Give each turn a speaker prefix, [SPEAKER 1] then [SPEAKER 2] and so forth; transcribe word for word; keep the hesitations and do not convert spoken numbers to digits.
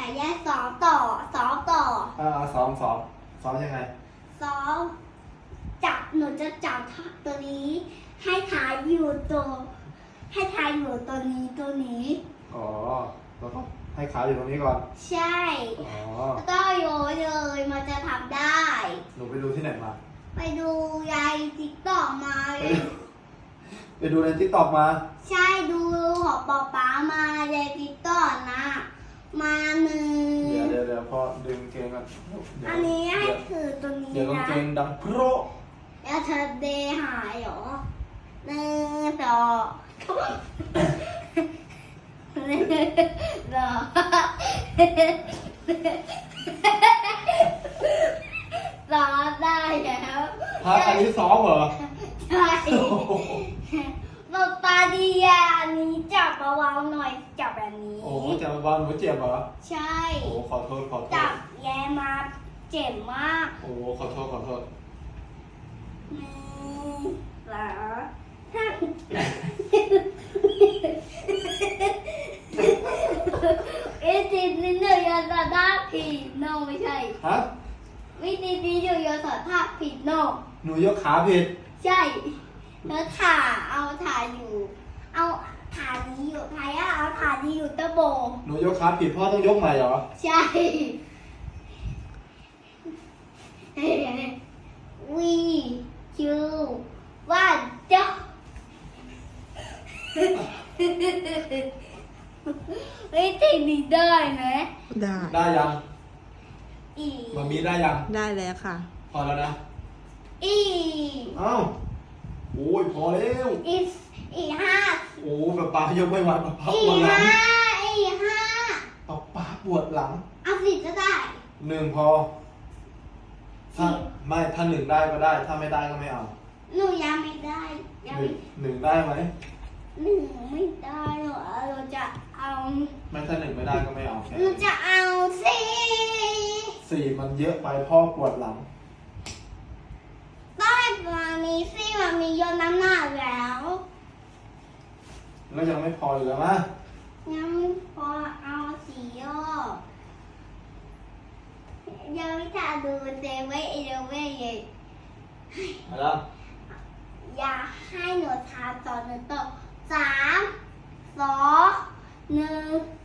[SPEAKER 1] แยกซ้อมต่อซ้อมต่อ
[SPEAKER 2] อ่าซ้อมซ้อมซ้อมยังไง
[SPEAKER 1] ซ้อมจับหนูจะจับตัวนี้ ให้ถ่ายอยู่ตัวให้ถ่ายอยู่ตัวนี้ตัวนี้
[SPEAKER 2] อ๋อแล้วก็ให้ขาอยู่ตรงนี้ก่อน
[SPEAKER 1] ใช่
[SPEAKER 2] อ๋อ
[SPEAKER 1] แล้วก็โยนเลยมันจะทำได้
[SPEAKER 2] หนูไปดูที่ไหนมา
[SPEAKER 1] ไปดูยายติ๊กต็อกมา
[SPEAKER 2] ไปดูไปดูในทิกตอกมา
[SPEAKER 1] ใช่ดูของป๊าป๊ามายายติ๊กต็อกนะ มาหนึ่ง
[SPEAKER 2] เดี๋ยวเดี๋ยวเดี๋ยวพ่อดึงเกงกันเดี๋ยว
[SPEAKER 1] อันนี้ให้
[SPEAKER 2] เดี๋ยว
[SPEAKER 1] ถือตัวนี้
[SPEAKER 2] เดี๋ยวกาง
[SPEAKER 1] นะ
[SPEAKER 2] เกงดังโพร
[SPEAKER 1] แล้วเธอเดหายเหรอหนึ่งสองหนึ่งสองสองได้แล้ว
[SPEAKER 2] ฮะอันนี้ซ้อมเหรอ
[SPEAKER 1] ใช่ป๊าป๊าดีอ่ะอันนี้จับเบาๆหน่อยจับแบบนี้
[SPEAKER 2] โอ้โหเจ็บบ้านหนูเจ็บเหรอ
[SPEAKER 1] ใช่
[SPEAKER 2] โอ้ขอโทษขอโท
[SPEAKER 1] จั
[SPEAKER 2] ษ
[SPEAKER 1] บแย่มาเจ็บมาก
[SPEAKER 2] โอ้ขอโทษขอโทษ
[SPEAKER 1] หนึ่งสองห้าเอติดนิดหนึ่งยาสาท่าผิดโนไม่ใช่
[SPEAKER 2] ฮะ
[SPEAKER 1] วิธีนี้อยู่ยาสาท่าผิดโน
[SPEAKER 2] หนูยกขาผิด
[SPEAKER 1] ใช่แล้วถ่าเอาถ่าอยู่ เอาถ่านี้อยู่ถ่ายอะเอาถ่านี้อยู่ตะโบ
[SPEAKER 2] หนูยกขาผิดพ่อต้องยกใหม่เหรอ
[SPEAKER 1] ใช่วีคิวว่าจ๊ะวิธีนี้ได้ไหม
[SPEAKER 3] ได้
[SPEAKER 2] ได้ยัง
[SPEAKER 1] อี
[SPEAKER 2] มันมีได้ยัง
[SPEAKER 3] ได้แล้วค่ะ
[SPEAKER 2] พอแล้วนะ
[SPEAKER 1] อี
[SPEAKER 2] เอ้าโอ้ยพอแล้ว
[SPEAKER 1] อีอีห้า
[SPEAKER 2] โอ้แบบป้ายกไม่ไหวป้าป้า
[SPEAKER 1] อี
[SPEAKER 2] ปวดหลัง
[SPEAKER 1] ห้าอีห้า
[SPEAKER 2] ป้าป้าปวดหลัง
[SPEAKER 1] เอาสิก็ได้
[SPEAKER 2] หนึ่งพอ ถ้าไม่ถ้าหนึ่งได้ก็ได้ ถ้าไม่ได้ก็ไม่เอา
[SPEAKER 1] หนูยังไม่ได้ยัง
[SPEAKER 2] หนึ่
[SPEAKER 1] ไม่
[SPEAKER 2] งหนึ่งได้ไหม
[SPEAKER 1] หนึ่งไม่ได้หรอเราจะเอา
[SPEAKER 2] ไม่ถ้าหนึ่งไม่ได้ก็ไม่เอาแค่
[SPEAKER 1] หนูจะเอาสี่
[SPEAKER 2] สี่มันเยอะไปพ่อปวดหลัง
[SPEAKER 1] ต้องให้มามีสี่มามีโยนน้ำหนักแล้ว
[SPEAKER 2] แล้วยังไม่พออยู่แล้วมะ
[SPEAKER 1] ยังไม่พอเอาสี่ยอดยังไม่ทันดูเซเว่นอีเลเว่นเลย
[SPEAKER 2] มาแล้ว
[SPEAKER 1] อยากให้หนูทานต่อหนึ่งต่อสามสองหนึ่ง